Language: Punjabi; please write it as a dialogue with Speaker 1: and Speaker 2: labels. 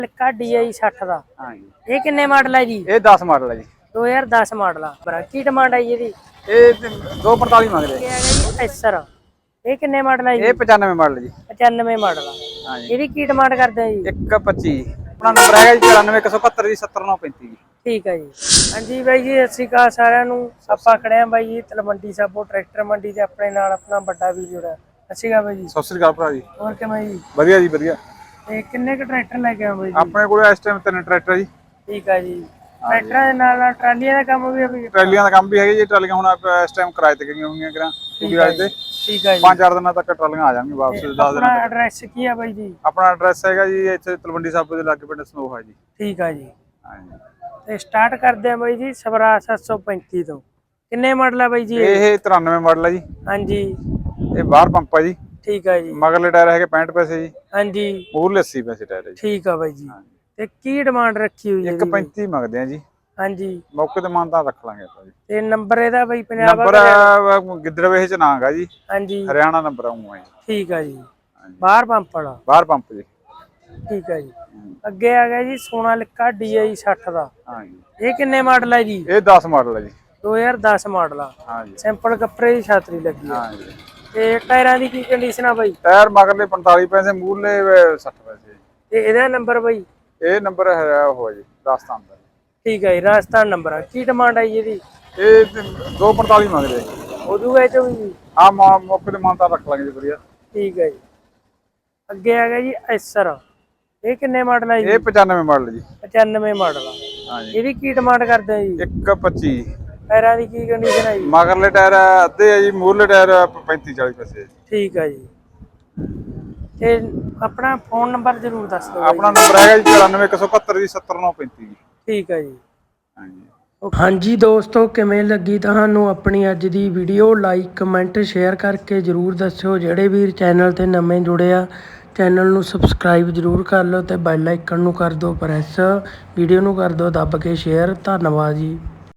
Speaker 1: ਲਿਕਾ DI 60 ਦਾ।
Speaker 2: ਹਾਂਜੀ।
Speaker 1: ਇਹ ਕਿੰਨੇ ਮਾਡਲ ਹੈ ਜੀ?
Speaker 2: ਇਹ 10 ਮਾਡਲ ਹੈ ਜੀ।
Speaker 1: 2010 ਮਾਡਲ ਆ। ਪਰ ਕੀ ਡਿਮਾਂਡ ਆਈ ਇਹਦੀ?
Speaker 2: ਇਹ 245 ਮੰਗਦੇ
Speaker 1: ਇਹ ਹੈਗਾ ਜੀ ਐਸਰ। ਇਹ ਕਿੰਨੇ ਮਾਡਲ ਹੈ ਜੀ?
Speaker 2: ਇਹ 95 ਮਾਡਲ ਜੀ।
Speaker 1: 95 ਮਾਡਲ ਆ।
Speaker 2: ਹਾਂਜੀ।
Speaker 1: ਇਹਦੀ ਕੀ ਡਿਮਾਂਡ ਕਰਦੇ ਆ ਜੀ?
Speaker 2: 125। ਆਪਣਾ ਨੰਬਰ ਹੈਗਾ ਜੀ 94175 ਜੀ 70935 ਜੀ।
Speaker 1: ਠੀਕ ਹੈ ਜੀ। ਹਾਂਜੀ ਬਾਈ ਜੀ, ਸਤਿ ਸ਼੍ਰੀ ਅਕਾਲ ਸਾਰਿਆਂ ਨੂੰ। ਆਪਾਂ ਖੜੇ ਆ ਬਾਈ ਜੀ ਤਲਵੰਡੀ ਸਾਬੋ ਟਰੈਕਟਰ ਮੰਡੀ ਤੇ ਆਪਣੇ ਨਾਲ ਆਪਣਾ ਵੱਡਾ ਵੀਰ ਜੁੜਾ। ਸਤਿ ਸ਼੍ਰੀ ਅਕਾਲ ਬਾਈ ਜੀ।
Speaker 2: ਸਤਿ ਸ੍ਰੀ ਅਕਾਲ ਭਰਾ ਜੀ।
Speaker 1: ਹੋਰ ਕਿਵੇਂ ਜੀ?
Speaker 2: ਵਧੀਆ ਜੀ ਵਧੀਆ।
Speaker 1: ਤੇ ਕਿੰਨੇ ਕ ਟਰੈਕਟਰ ਲੈ ਕੇ ਆਏ ਬਾਈ ਜੀ?
Speaker 2: ਆਪਣੇ ਕੋਲ ਇਸ ਟਾਈਮ 3 ਟਰੈਕਟਰ ਜੀ।
Speaker 1: ਠੀਕ ਹੈ ਜੀ। ਟਰੈਕਟਰਾਂ ਦੇ ਨਾਲ ਟਰਾਲੀਆਂ ਦਾ ਕੰਮ ਵੀ ਹੈ?
Speaker 2: ਟਰਾਲੀਆਂ ਦਾ ਕੰਮ ਵੀ ਹੈਗਾ ਜੀ। ਟਰਾਲੀਆਂ ਹੁਣ ਇਸ ਟਾਈਮ ਕਿਰਾਏ ਤੇ ਗਈਆਂ ਹੋਈਆਂ ਕਰਾਂ ਕਿਉਂਕਿ ਰਾਜ ਦੇ
Speaker 1: ਠੀਕ ਹੈ ਜੀ।
Speaker 2: 5-4 ਦਿਨਾਂ ਤੱਕ ਟਰਾਲੀਆਂ ਆ ਜਾਣਗੀਆਂ ਵਾਪਸ। 10 ਦਿਨਾਂ
Speaker 1: ਆਪਣਾ
Speaker 2: ਤੱਕ।
Speaker 1: ਐਡਰੈਸ ਕੀ ਆ ਬਾਈ ਜੀ?
Speaker 2: ਆਪਣਾ ਐਡਰੈਸ ਹੈਗਾ ਜੀ ਇੱਥੇ ਤਲਵੰਡੀ ਸਾਬੋ ਦੇ ਲਾਗੇ ਪਿੰਡ ਸਨੋਹਾ ਜੀ।
Speaker 1: ਠੀਕ ਆ ਜੀ।
Speaker 2: ਹਾਂਜੀ।
Speaker 1: ਤੇ ਸਟਾਰਟ ਕਰਦੇ ਆ ਬਾਈ ਜੀ ਸਵਰਾ 735 ਤੋਂ। ਕਿੰਨੇ ਮਾਡਲ ਆ ਬਾਈ ਜੀ?
Speaker 2: ਇਹ 93 ਮਾਡਲ ਹੈ ਜੀ।
Speaker 1: ਹਾਂਜੀ।
Speaker 2: ਇਹ ਬਾਹਰ ਪੰਪ ਆ ਜੀ।
Speaker 1: ਠੀਕ ਆ ਜੀ।
Speaker 2: ਮਗਰਲੇ ਟਾਇਰ ਹੈਗੇ 65 ਪੈਸੇ ਜੀ।
Speaker 1: ਹਾਂਜੀ।
Speaker 2: ਮੂਰਲੇ 80 ਪੈਸੇ ਟਾਇਰ ਹੈ ਜੀ।
Speaker 1: ਠੀਕ ਆ ਬਾਈ ਜੀ। ਤੇ ਕੀ ਡਿਮਾਂਡ ਰੱਖੀ ਹੋਈ ਹੈ?
Speaker 2: 135 ਮੰਗਦੇ ਆ ਜੀ।
Speaker 1: ਹਾਂਜੀ।
Speaker 2: ਮੌਕੇ ਤੇ ਮਾਨਤਾ ਰੱਖ ਲਾਂਗੇ ਆਪਾਂ ਜੀ।
Speaker 1: ਤੇ ਨੰਬਰ ਇਹਦਾ ਬਾਈ ਪੰਜਾਬ
Speaker 2: ਨੰਬਰ ਗਿੱਦੜਵੇਹ ਚ ਨਾਂਗਾ ਜੀ।
Speaker 1: ਹਾਂਜੀ।
Speaker 2: ਹਰਿਆਣਾ ਨੰਬਰ ਆਉਂਗਾ ਜੀ।
Speaker 1: ਠੀਕ ਆ ਜੀ। ਬਾਹਰ ਪੰਪ ਵਾਲਾ?
Speaker 2: ਬਾਹਰ ਪੰਪ ਜੀ।
Speaker 1: ਠੀਕ ਆ ਜੀ। ਅੱਗੇ ਆ ਗਿਆ ਜੀ ਸੋਨਾਲਿਕਾ DI 60 ਦਾ।
Speaker 2: ਹਾਂਜੀ।
Speaker 1: ਇਹ ਕਿੰਨੇ ਮਾਡਲ ਹੈ ਜੀ?
Speaker 2: ਇਹ 10 ਮਾਡਲ ਹੈ ਜੀ।
Speaker 1: 2010 ਮਾਡਲ ਆ।
Speaker 2: ਹਾਂਜੀ।
Speaker 1: ਸਿੰਪਲ ਕੱਪੜੇ ਦੀ ਛਾਤਰੀ ਲੱਗੀ ਆ।
Speaker 2: ਹਾਂਜੀ।
Speaker 1: ਤੇ ਟਾਇਰਾਂ ਦੀ ਕੀ ਕੰਡੀਸ਼ਨ ਆ ਬਾਈ?
Speaker 2: ਟਾਇਰ ਮਗਰਲੇ 45 ਪੈਸੇ ਮੂਰਲੇ 60 ਪੈਸੇ।
Speaker 1: ਤੇ ਇਹਦਾ ਨੰਬਰ ਬਾਈ?
Speaker 2: ਇਹ ਨੰਬਰ ਹੈ ਉਹ ਜੀ ਰਾਜਸਥਾਨ ਦਾ।
Speaker 1: ਠੀਕ ਹੈ ਜੀ। ਰਾਜਸਥਾਨ ਨੰਬਰ ਆ। ਕੀ ਡਿਮਾਂਡ ਆਈ ਇਹਦੀ?
Speaker 2: ਇਹ 245 ਮੰਗਦੇ
Speaker 1: ਹੋ ਜੂਗਾ ਇਹ ਚੋਂ ਵੀ?
Speaker 2: ਆ ਮੌਕੇ ਤੇ ਮਾਨਤਾ ਰੱਖ ਲਾਂਗੇ ਜੀ ਵਧੀਆ।
Speaker 1: ਠੀਕ ਹੈ ਜੀ। ਅੱਗੇ ਆ ਗਿਆ ਜੀ ਐਸਰ। ਇਹ ਕਿੰਨੇ ਮਾਡਲ ਹੈ ਜੀ?
Speaker 2: ਇਹ 95 ਮਾਡਲ ਜੀ।
Speaker 1: 95 ਮਾਡਲ ਆ।
Speaker 2: ਹਾਂਜੀ।
Speaker 1: ਇਹਦੀ ਕੀ ਡਿਮਾਂਡ ਕਰਦੇ ਆ ਜੀ?
Speaker 2: 125।
Speaker 1: ਟਾਇਰਾਂ ਦੀ ਕੀ ਕੰਡੀਸ਼ਨ ਹੈ ਜੀ?
Speaker 2: ਮਗਰਲੇ ਟਾਇਰ ਅੱਧੇ ਆ ਜੀ। ਮੂਰਲੇ ਟਾਇਰ 35-40 ਪੈਸੇ।
Speaker 1: ਠੀਕ ਹੈ ਜੀ। ਤੇ ਆਪਣਾ ਫੋਨ ਨੰਬਰ ਜ਼ਰੂਰ ਦੱਸ ਦਿਓ।
Speaker 2: ਆਪਣਾ ਨੰਬਰ ਹੈਗਾ ਜੀ 94175 ਜੀ 70935 ਜੀ।
Speaker 1: ਠੀਕ ਹੈ ਜੀ।
Speaker 2: ਹਾਂਜੀ।
Speaker 1: ਹਾਂਜੀ ਦੋਸਤੋ, ਕਿਵੇਂ ਲੱਗੀ ਤੁਹਾਨੂੰ ਆਪਣੀ ਅੱਜ ਦੀ ਵੀਡੀਓ? ਲਾਈਕ ਕਮੈਂਟ ਸ਼ੇਅਰ ਕਰਕੇ ਜ਼ਰੂਰ ਦੱਸਿਓ। ਜਿਹੜੇ ਵੀਰ ਚੈਨਲ ਤੇ ਨਵੇਂ ਜੁੜੇ ਆ ਚੈਨਲ ਨੂੰ ਸਬਸਕ੍ਰਾਈਬ ਜ਼ਰੂਰ ਕਰ ਲਓ ਤੇ ਬੈਲ ਆਈਕਨ ਨੂੰ ਕਰ ਦਿਓ ਪ੍ਰੈਸ। ਵੀਡੀਓ ਨੂੰ ਕਰ ਦਿਓ ਦੱਬ ਕੇ ਸ਼ੇਅਰ। ਧੰਨਵਾਦ ਜੀ।